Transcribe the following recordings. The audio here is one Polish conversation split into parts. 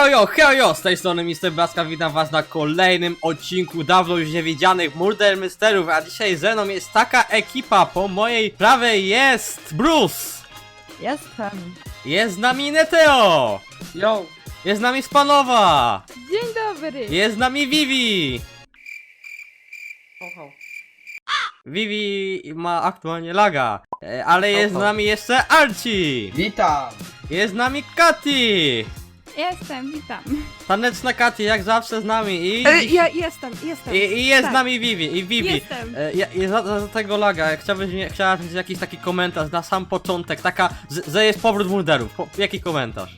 Hejo, z tej strony Mr. Blaska, witam was na kolejnym odcinku dawno już niewidzianych Murder Mysterów, a dzisiaj ze mną jest taka ekipa, po mojej prawej jest Bruce! Jestem. Jest z nami Neteo! Yo! Jest z nami Spanowa! Dzień dobry. Jest z nami Vivi! Ho. Vivi ma aktualnie laga, ale jest z nami jeszcze Archie! Witam! Jest z nami Katy! Jestem, witam. Taneczna Katy, jak zawsze z nami i... Ja jestem. I jest Tak. z nami Vivi, i Vivi. Jestem. Za tego laga, chciałabym mieć jakiś taki komentarz na sam początek, że jest powrót murderów. Jaki komentarz?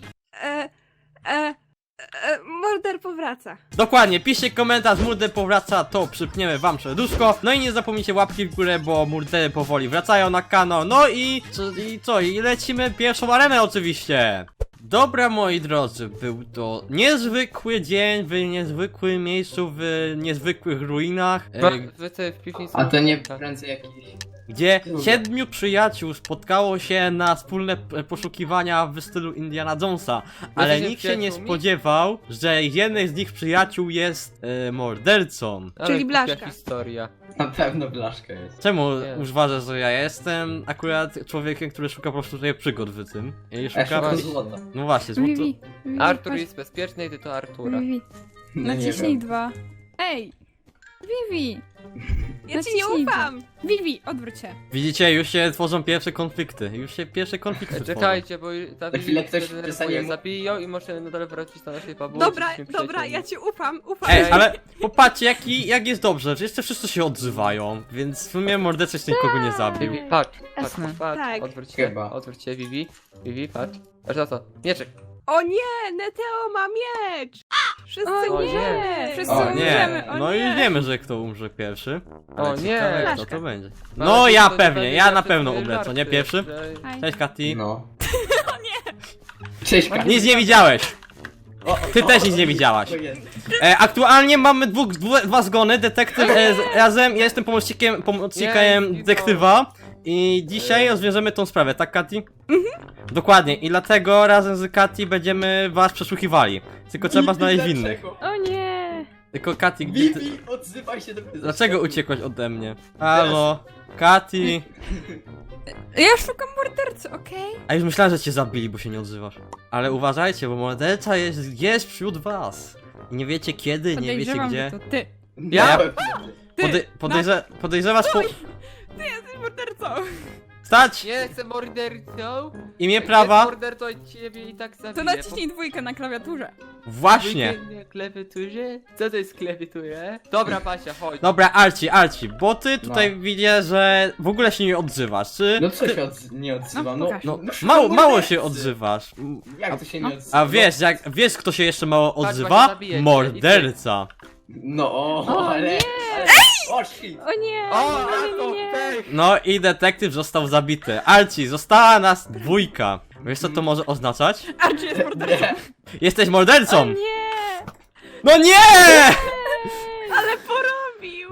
Morder powraca. Dokładnie, piszcie komentarz, murder powraca, to przypniemy wam serduszko. No i nie zapomnijcie łapki w górę, bo murdery powoli wracają na kanał. No i lecimy pierwszą arenę oczywiście. Dobra, moi drodzy, był to niezwykły dzień w niezwykłym miejscu, w niezwykłych ruinach, Wy tutaj w piwnicy. A to nie prędzej jakiś... gdzie 7 przyjaciół spotkało się na wspólne poszukiwania w stylu Indiana Jonesa, ale Jesteście nikt się nie przyjaciółmi? spodziewał, że jeden z nich przyjaciół jest mordercą. Ale Czyli głupia Blaszka. historia. Na pewno blaszka jest. Czemu Nie. uważasz, że ja jestem akurat człowiekiem, który szuka po prostu tutaj przygód w tym? I Ja szuka... szukam złota. No właśnie, złoto... Vivi. Artur jest bezpieczny i ty to Artura. Vivi. No nie Naciśnij wiem. 2. Ej! Vivi! Ja ci nie Naciśnij ufam! Vivi, odwróć się. Widzicie, już się tworzą pierwsze konflikty. tworzą. Czekajcie, bo ta Za chwilę ktoś denerwuje. przestanie mu- Zabiją i możemy nadal wrócić do naszej fabuły. Dobra, jesteśmy dobra, przyjaciółmi. ja ci ufam. Ej, ale popatrzcie, jak jest dobrze, że jeszcze wszyscy się odzywają, więc w sumie morderca jeszcze nikogo nie zabił. Vivi, patrz, Jasne. Tak. odwróć się, Chyba. odwróć się, Vivi. Vivi, patrz. Patrz na to, mieczek. O nie, Neteo ma miecz! Wszyscy O O umrzemy! nie. Wszyscy O Nie, umrzemy. O no nie. już wiemy, że kto umrze pierwszy. Ale O nie. ciekawe, kto Blaszka. to będzie. Ale No to ja to pewnie, będzie ja na zawsze pewno twoje umrę, co nie żarty, pierwszy? że- Aj. Cześć Katy. No. Cześć, Kasia. Nic nie widziałeś! Ty też nic nie widziałaś. To jest. Aktualnie mamy dwa zgony, detektyw razem, ja jestem pomocnikiem Nie, detektywa. I dzisiaj rozwiążemy tą sprawę, tak Katy? Dokładnie, i dlatego razem z Katy będziemy was przesłuchiwali. Tylko trzeba znaleźć winnych. Dlaczego? O nie. Tylko Katy, gdzie ty... Vivi, odzywaj się do mnie. Dlaczego uciekłaś ode mnie? Halo? Katy? Ja szukam mordercy, okej? A już myślałem, że cię zabili, bo się nie odzywasz. Ale uważajcie, bo morderca jest wśród was. I nie wiecie kiedy, nie wiecie Podejrzewam, gdzie. że to ty. Ja? Ty, Podejrzewasz po... Ty jesteś mordercą! Stać! Nie jestem mordercą. Imię Jak prawa? jest mordercą i ciebie i tak zabiję. To naciśnij 2 na klawiaturze. Właśnie! Na klawiaturze? Co to jest klawiatura? Dobra, Pasia, chodź. Dobra, Archie, bo ty tutaj widzę, że w ogóle się nie odzywasz, czy... No co się nie odzywam? No, No, pokaż. No, szukam mało się mordercy. odzywasz. Jak to się nie odzywa? A wiesz kto się jeszcze mało Patrz, odzywa? właśnie zabijecie. Morderca. No, O, ale... nie. ale... O, shit. O nie. O, nie, to nie. pech! No i detektyw został zabity. Archie, została nas dwójka. Wiesz co to może oznaczać? Archie jest mordercą! Nie. Jesteś O mordercą! nie. No nie! Ale porobił!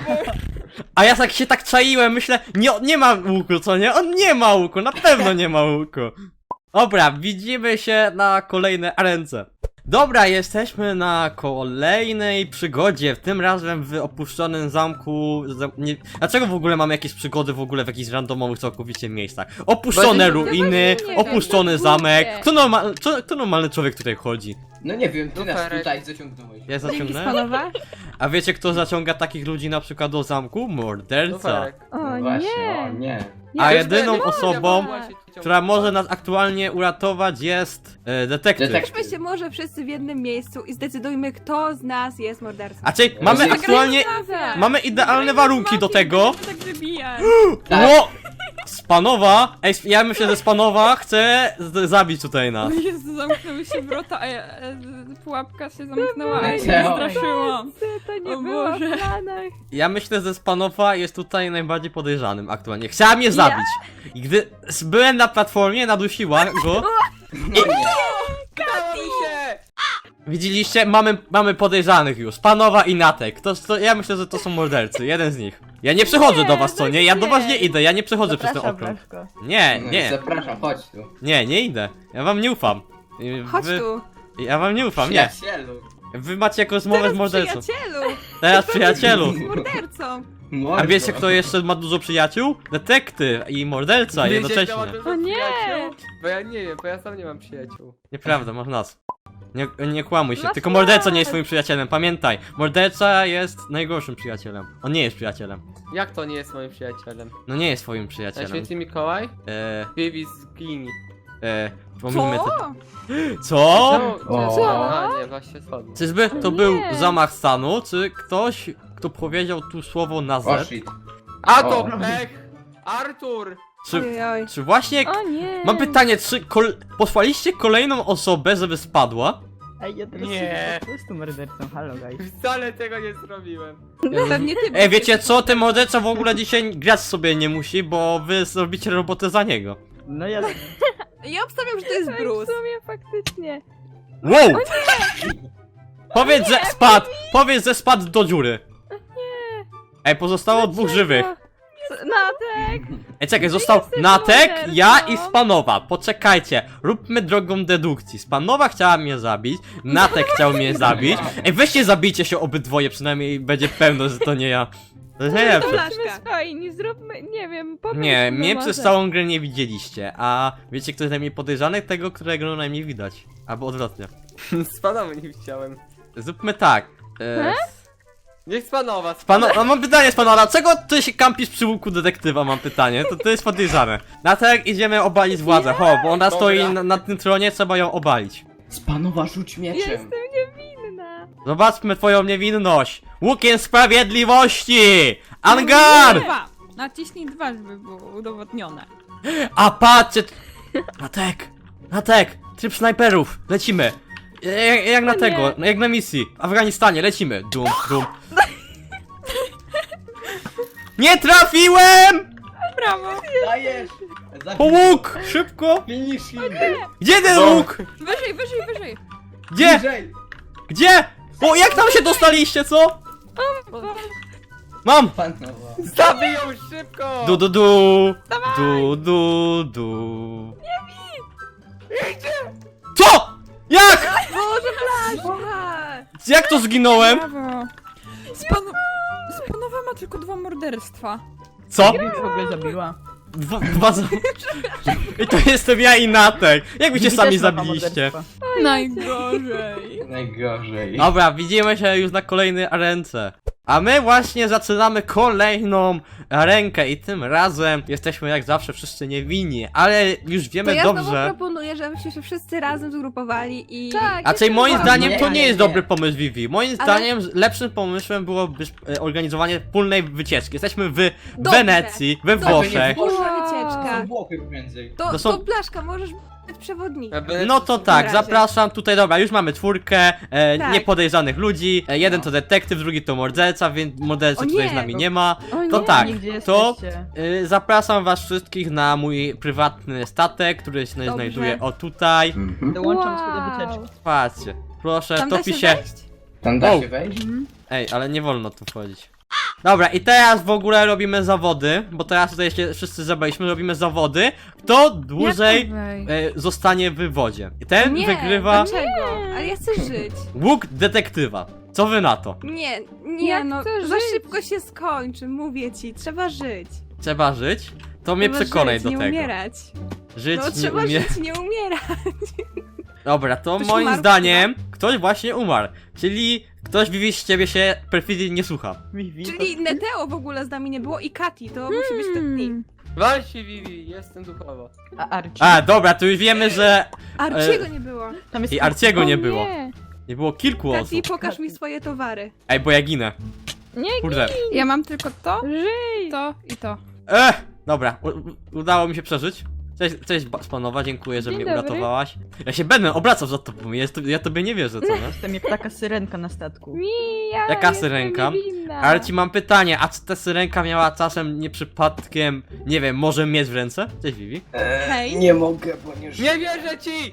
A ja tak się czaiłem, myślę, nie ma łuku, co nie? On nie ma łuku, na pewno nie ma łuku. Dobra, widzimy się na kolejnej arence. Dobra, jesteśmy na kolejnej przygodzie, tym razem w opuszczonym zamku. Dlaczego w ogóle mamy jakieś przygody w ogóle w jakichś randomowych całkowicie miejscach? Opuszczone Bo- ruiny, nie wiem, opuszczony to zamek. głupie. Kto normalny człowiek tutaj chodzi? No nie wiem, ty nas Luferek. tutaj zaciągnąłeś. Ja Dzięki zaciągnę? Spanowa. A wiecie kto zaciąga takich ludzi na przykład do zamku? Morderca. Luferek. O No właśnie, o nie. nie. A Nie, jedyną to jest osobą, moja. która może nas aktualnie uratować jest detektyw. Detektyw. Weźmy się może wszyscy w jednym miejscu i zdecydujmy, kto z nas jest mordercą. A czyli mamy Zagrajmy aktualnie, Razem. mamy idealne warunki do tego. Tak wybijać. Tak. Ło! Spanowa! Ej, ja myślę, że Spanowa chce zabić tutaj nas. O Jezu, zamknęły się wrota, a pułapka się zamknęła, a ja się Mateo. straszyłam. To nie O było Boże. w planach. Ja myślę, że Spanowa jest tutaj najbardziej podejrzanym aktualnie. Chciała mnie zabić. I gdy byłem na platformie, nadusiła go. No nie. Udało mi się! Widzieliście? Mamy podejrzanych już. Spanowa i Natek. Ja myślę, że to są mordercy. Jeden z nich. Ja nie przychodzę do was, co nie? Ja do was nie idę, ja nie przechodzę przez ten okrąg. Nie, No, nie. Zapraszam, chodź tu. Nie idę. Ja wam nie ufam. Chodź tu. Ja wam nie ufam, nie. Przyjacielu. Wy macie jakąś rozmowę z Teraz mordercą. przyjacielu! Teraz przyjacielu. Z mordercą! A wiecie kto jeszcze ma dużo przyjaciół? Detektyw i morderca Wiecie, jednocześnie. kto ma dużo O nie! przyjaciół? Bo ja nie wiem, bo ja sam nie mam przyjaciół. Nieprawda, masz nas. Nie kłamuj się, Masz tylko morderca nie nas. jest twoim przyjacielem, pamiętaj. Morderca jest najgorszym przyjacielem. On nie jest przyjacielem. Jak to nie jest moim przyjacielem? No nie jest twoim Na przyjacielem. święty Mikołaj? Eee, Vivi zginie. pomijmy to. Co? Co? Co? A nie, właśnie spadł. Czyżby to był Nie. zamach stanu, czy ktoś, kto powiedział tu słowo na O Z? shit. A to O. pech! Artur! Czy, Ojoj. czy właśnie... O nie! Mam pytanie, czy posłaliście kolejną osobę, żeby spadła? Ej, ja teraz Nie. nie. Po prostu mordercą, halo guys. Wcale tego nie zrobiłem. Pewnie ty. Ej, wiecie co? Ten morderca w ogóle dzisiaj grać sobie nie musi, bo wy zrobicie robotę za niego. No ja... Ja obstawiam, że to jest W Bruce. sumie faktycznie. Wow! Powiedz, że spadł! Powiedz, że spadł do dziury. Ej, pozostało dwóch żywych. Natek! Ej, czekaj, został jesteś Natek, mordercą. ja i Spanowa. Poczekajcie, róbmy drogą dedukcji. Spanowa chciała mnie zabić, Natek chciał mnie zabić. Ej, weźcie zabijcie się obydwoje, przynajmniej będzie pewno, że to nie ja. To jest najlepsze. Flaszka. Bądźmy swojni, zróbmy, nie wiem, pomyślmy Nie, mnie może. przez całą grę nie widzieliście, a wiecie kto jest najmniej podejrzany? Tego, którego najmniej widać. Albo odwrotnie. Spadamy nie chciałem. Zróbmy tak. Niech spanowa. A mam pytanie z pana, dlaczego ty się kampisz przy łuku detektywa, mam pytanie, to jest podejrzane. Natek, idziemy obalić władzę, ho, bo ona Dobra. stoi na tym tronie, trzeba ją obalić. Spanowa rzuć mieczem. Jestem niewinna. Zobaczmy twoją niewinność. Łukiem sprawiedliwości! Angar! Dwa. Naciśnij dwa, żeby było udowodnione. A patrzcie! Natek, tryb snajperów, lecimy. Jak na O tego, nie. jak na misji. W Afganistanie, lecimy. Dum, dum. Nie trafiłem! Brawo! Dajesz! Po łuk! Szybko! Finish him! Gdzie ten No. łuk? Wyżej, wyżej, wyżej! Gdzie? Bliżej! Gdzie? O, jak tam się dostaliście, co? Mam! Panowa. Zabij ją szybko! Du du du! Du du du! Co? Jak? Boże, flaszka! Jak to zginąłem? Brawo! Spanowa ma tylko 2 morderstwa. Co? Gry w ogóle zabiła. Dwa za... I to jestem ja i Natek. Jak wy się Vivi sami też ma zabiliście? morderstwa. Najgorzej. Najgorzej. Dobra, widzimy się już na kolejnej arence. A my właśnie zaczynamy kolejną arenkę i tym razem jesteśmy jak zawsze wszyscy niewinni, ale już To wiemy ja znowu dobrze. proponuję, żebyśmy się wszyscy razem zgrupowali i... Tak. A czyli moim jestem zdaniem Nie, to nie nie, jest nie. dobry pomysł Vivi. Moim Ale- zdaniem lepszym pomysłem byłoby organizowanie wspólnej wycieczki. Jesteśmy w Dobrze. Wenecji, we Dobrze. Włoszech. Wspólna Wow. wycieczka. Są Włochy pomiędzy. To są- Blaszka, możesz być przewodnikiem. No to tak, razie. zapraszam tutaj, dobra, już mamy czwórkę Tak. niepodejrzanych ludzi. Jeden to detektyw, drugi to morderca, więc mordercy O tutaj nie. z nami nie ma. O To nie. tak, Gdzie to jesteście? zapraszam was wszystkich na mój prywatny statek, który się Dobrze. znajduje o tutaj. Dołączam się do wycieczki. Patrzcie, proszę, Tam to da się pisze. wejść? Tam da O. się wejść? Ej, ale nie wolno tu wchodzić. Dobra, i teraz w ogóle robimy zawody, bo teraz tutaj się wszyscy zebraliśmy, robimy zawody. Kto dłużej zostanie w wodzie. I ten Nie, wygrywa dlaczego? Ale ja chcę żyć. łuk detektywa. Co wy na to? Nie, Jak no, chcę za żyć? szybko się skończy, mówię ci, trzeba żyć. Trzeba żyć? To mnie Trzeba przekonaj żyć, do nie tego. umierać. Żyć, No nie trzeba umie... żyć, nie umierać. Dobra, to Ktoś moim umarł zdaniem ktoś właśnie umarł. Czyli ktoś Vivi z ciebie się perfidnie nie słucha. Vivi, Czyli Neteo w ogóle z nami nie było i Kati, to musi być ten team. Wal się Vivi, jestem duchowo. A Archie? A, dobra, to już wiemy, że Arciego nie było. Tam jest i Arciego nie O było. Nie, Nie było kilku Kati, osób. pokaż mi swoje towary. Ej, bo ja ginę. nie, Kurde. ja mam tylko to, to i to. Dobra, udało mi się przeżyć. Cześć Spanowa, dziękuję, że Dzień mnie dobry. uratowałaś. Ja się będę obracał za tobą, ja tobie nie wierzę, co nie? Jestem jak taka syrenka na statku. Mija, Jaka jestem syrenka? niewinna. Ale ci mam pytanie, a czy ta syrenka miała czasem nie przypadkiem, nie wiem, może mieć w ręce? Cześć Vivi. Hej. Nie mogę, bo nie żyję. Nie wierzę ci!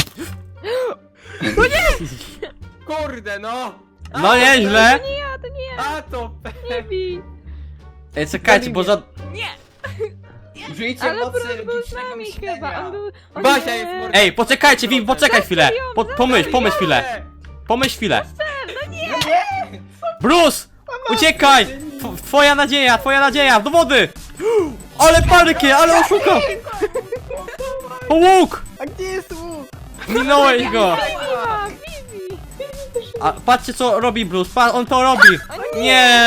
Kurde no! No nieźle! A to pech! Nie bij. Ej, czekajcie, bo za... Użyjcie Ale mocy Bruce był z logicznego nami myślenia. chyba, on był... on Basia nie- jest mordercą. Ej, poczekajcie, Vivi, poczekaj chwilę. Pomyśl chwilę. Pomyśl chwilę. Bruce! Uciekaj! Twoja nadzieja, do wody! Ale parkie, ale oszuka! O, łuk! A gdzie jest łuk? Minąłeś go! A, Vivi! A patrzcie co robi Bruce, on to robi! Nie!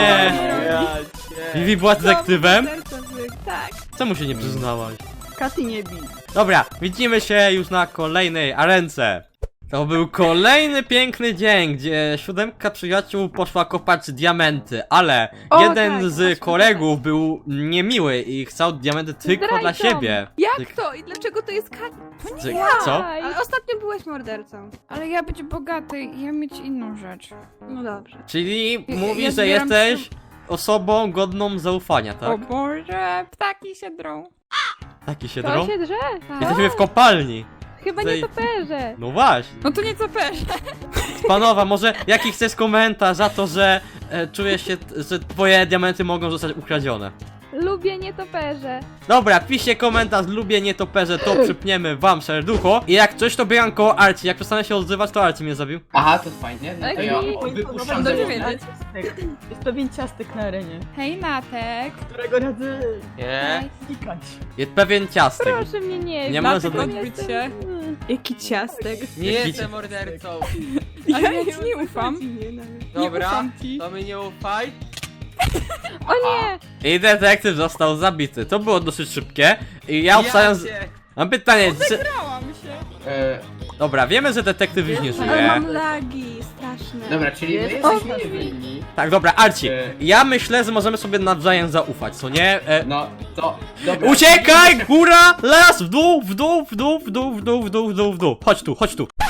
Vivi była detektywem? Tak. Czemu się nie przyznałaś? Katy nie bij. Dobra, widzimy się już na kolejnej arence. To był kolejny piękny dzień, gdzie 7 przyjaciół poszła kopać diamenty, ale O, jeden tak, z właśnie kolegów był niemiły i chciał diamenty tylko dla Zdrajcą. siebie. Jak to? I dlaczego to jest Co? Aj. Ale ostatnio byłeś mordercą. Ale ja być bogaty i ja mieć inną rzecz. No dobrze. Czyli Ja mówisz, że zbieram jesteś osobą godną zaufania, O tak? Boże, ptaki się drą. Taki się To drą? się drze? Tak. Jesteśmy w kopalni. Chyba Tutaj- nie toperze. No właśnie. No to nie co perze. Panowa, może jaki chcesz komentarz za to, że czujesz się, że twoje diamenty mogą zostać ukradzione? Lubię nietoperze. Dobra, piszcie komentarz, lubię nietoperze, to przypniemy wam serducho. I jak coś to biegam koło Arci, jak przestanę się odzywać, to Arci mnie zabił. Aha, to fajnie. No to ja Ej, wypuszczam dobrze demonę. wiedzieć. Jest pewien ciastek na arenie, Hej Natek. którego radzę Nie? znikać. Jest pewien ciastek. Proszę mnie nie Nie ma Natek żadnego- odbyć się. Jaki ciastek. Nie Jaki jestem mordercą. Ale ja ci nie ufam. Dobra, ufam ci. to mi nie ufaj. O nie! I detektyw został zabity. To było dosyć szybkie. I ja obstawiam... cię. Mam pytanie, czy... Grałam się. Dobra, wiemy, że detektyw już nie Ale żyje. mam lagi straszne. Dobra, czyli my Jest- jesteśmy niewinni. Tak, dobra, Arci, ja myślę, że możemy sobie nawzajem zaufać, co nie? No, to... Dobra. Uciekaj! Góra! Las! W dół! W dół! W dół! W dół! W dół! W dół! W dół! W dół! Chodź tu, chodź tu!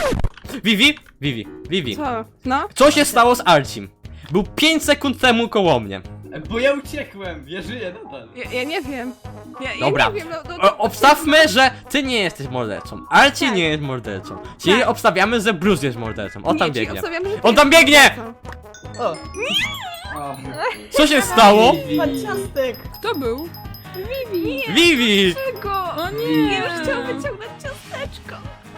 Vivi, Co? No? co się stało z Arcim? Był 5 sekund temu koło mnie. Bo ja uciekłem, ja żyję nadal. Ja nie wiem. Ja Dobra. nie wiem, no, Obstawmy, że ty nie jesteś mordercą. Arci Tak. nie jest mordercą. Czyli Tak. obstawiamy, że Bruce jest mordercą. On tam nie, czyli biegnie. obstawiam, że On ty tam jesteś biegnie! mordercą. O, O. Co się stało? pan ciastek! Kto był? Vivi! Czego? O nie. Ja już chciałam wyciągnąć ciasteczko.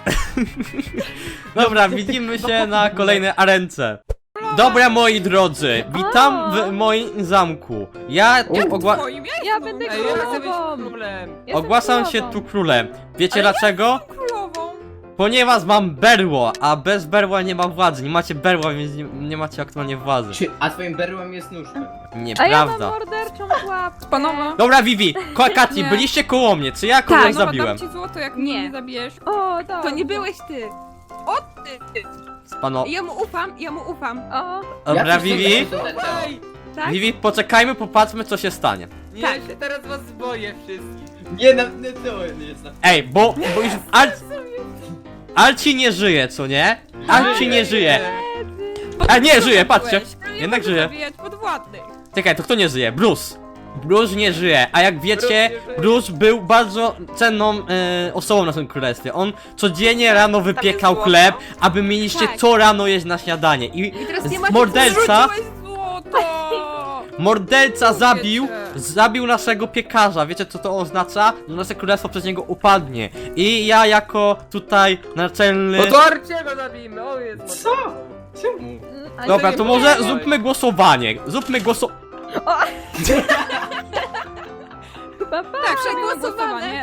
Dobra, widzimy się na kolejnej arence. Dobra, moi drodzy, witam w moim zamku. Ja Twoim ja Ja będę Ej, ja chcę być królową. królem. Jestem ogłaszam się królową. tu królem. Wiecie dlaczego? królową. Ponieważ mam berło, a bez berła nie ma władzy. Nie macie berła, więc nie macie aktualnie władzy. A twoim berłem jest nóżka. A ja mam Nieprawda. morderczą pułapkę. Panowa. Dobra, Vivi, Kati, Nie. byliście koło mnie, czy ja kogoś Tak. Panowa, zabiłem? dam ci złoto, jak Nie. mnie nie zabijesz. O, dobrze. To nie byłeś ty. O ty. Pano... Ja mu ufam. O, Dobra, Ja coś Vivi, tutaj Ej, Tak? Vivi, poczekajmy, popatrzmy co się stanie. nie, Tak. ja się teraz was boję wszystkich. Nie, to jest na... Ej, bo już Arci nie żyje, co nie? Arci nie żyje. A nie, żyje, patrzcie. Jednak żyje. Zabijać podwładnych. Czekaj, to kto nie żyje? Bruce. Bruce nie żyje, a jak wiecie, Bruce nie żyje. Bruce był bardzo cenną osobą na tym królestwie. On codziennie rano wypiekał złoto. chleb, aby mieliście Tak. co rano jeść na śniadanie. I teraz nie macie morderca, Rzuciłeś złoto. morderca zabił, cię. zabił naszego piekarza. Wiecie co to oznacza? Że nasze królestwo przez niego upadnie. I ja jako tutaj naczelny... No to Arciego zabijmy, on jest Co? mordercą. Czemu? a Dobra, nie to wiem. może zróbmy głosowanie. Pa, pa. Tak, przegłosowanie.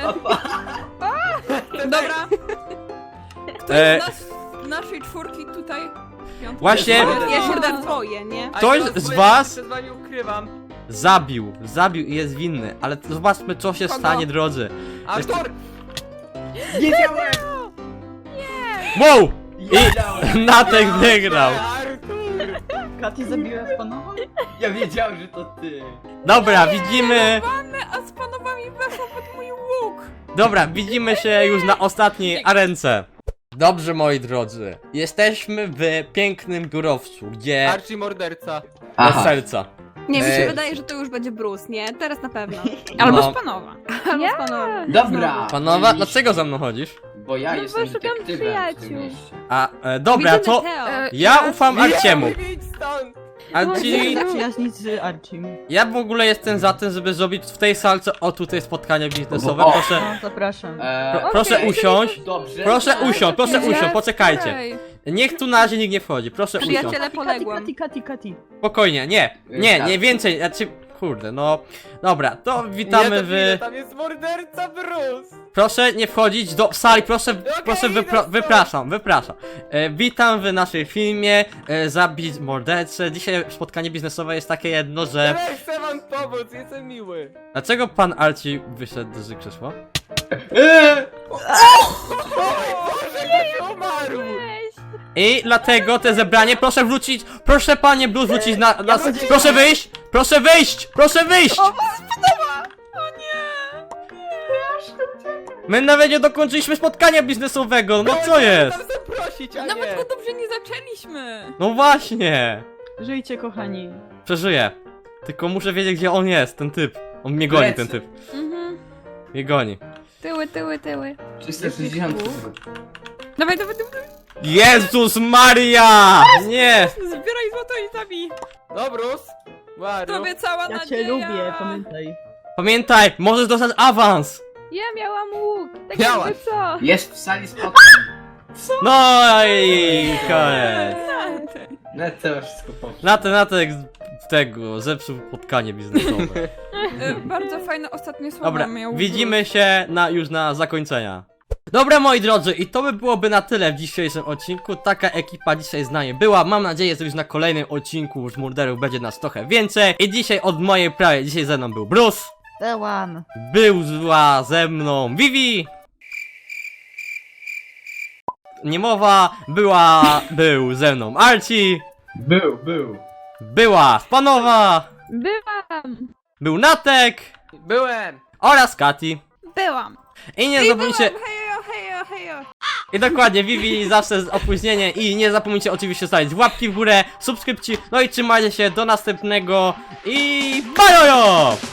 Dobra. Ktoś E, z nas, naszej czwórki tutaj... piątki- Właśnie- Ja się da twoje, nie? A Ktoś ja z swoje was- przed wami ukrywam. zabił i jest winny. Ale zobaczmy co się Kogo? stanie, drodzy. Artur! Wiedziałem! Wow! Wiedziałem! Natek wygrał. Artur! Katy zabiła panowa? Ja wiedziałem, że to ty. Dobra, widzimy. A z panowami weszło pod mój łuk. Dobra, widzimy się już na ostatniej arence. Dobrze, moi drodzy. Jesteśmy w pięknym biurowcu, gdzie... Archie morderca. Od serca. Nie, mi się Ej. wydaje, że to już będzie Bruce, nie? Teraz na pewno. Albo No. z panowa. Albo Ja. z panowa. Dobra. Panowa, mieliście- dlaczego za mną chodzisz? Bo ja No bo jestem szukam detektywem w tym przyjaciół. mieście. A, dobra, Widzimy to... Teo. Ja ufam Arciemu. Nie, idź stąd! Archie, Przyjaźnić z Archim. ja w ogóle jestem za tym, żeby zrobić w tej salce, o tutaj spotkanie biznesowe, O. proszę, No, zapraszam. proszę Okej, usiąść, Dobrze. proszę usiąść, poczekajcie. Ej, Niech tu na razie nikt nie wchodzi, proszę usiąść. Przyjaciele poległam. Kati. Spokojnie, nie więcej, znaczy, kurde, no, dobra, to witamy w... Tam jest morderca Bruce! Proszę nie wchodzić do sali, proszę idę stąd. wypraszam. Witam w naszym filmie, zabić mordercę. Dzisiaj spotkanie biznesowe jest takie jedno, że... Ja chcę wam pomóc, jestem miły. Dlaczego pan Archie wyszedł z krzesła? Boże, ktoś umarł! I dlatego te zebranie, proszę wrócić, proszę panie Blues wrócić na proszę wyjść! Proszę wyjść! Proszę wyjść! My nawet nie dokończyliśmy spotkania biznesowego, no co jest? Tam zaprosić, a nawet nie. go dobrze nie zaczęliśmy. No właśnie! Żyjcie, kochani. Przeżyję. Tylko muszę wiedzieć, gdzie on jest, ten typ. On mnie goni, Lecę. ten typ. Mhm. Mnie goni. Tyły. 360. Dawaj. Jezus Maria! Nie! Zbieraj złoto i zabij. No, Bruce. Maru. Tobie cała Ja nadzieja. cię lubię, pamiętaj. Pamiętaj, możesz dostać awans! Ja miałam łuk. Tak Miałaś. jakby co? Jest w sali spotkań. No i koniec. No to już wszystko poszło. Natek tego zepsuł spotkanie biznesowe. Bardzo fajne ostatnie słowa Dobra, miał. widzimy się już na zakończenia. Dobra moi drodzy, i to by byłoby na tyle w dzisiejszym odcinku. Taka ekipa dzisiaj z nami była. Mam nadzieję, że już na kolejnym odcinku już murderów będzie nas trochę więcej. I dzisiaj od mojej prawej, dzisiaj ze mną był Bruce. Tełam. Była ze mną Vivi. Niemowa, był ze mną Archie. Był. Była Spanowa. Byłam. Był Natek. Byłem. Oraz Kati. Byłam. I nie zapomnijcie... Hejo. I dokładnie, Vivi zawsze z opóźnieniem. I nie zapomnijcie oczywiście stawić łapki w górę, subskrypcji. No i trzymajcie się do następnego. I bajojo!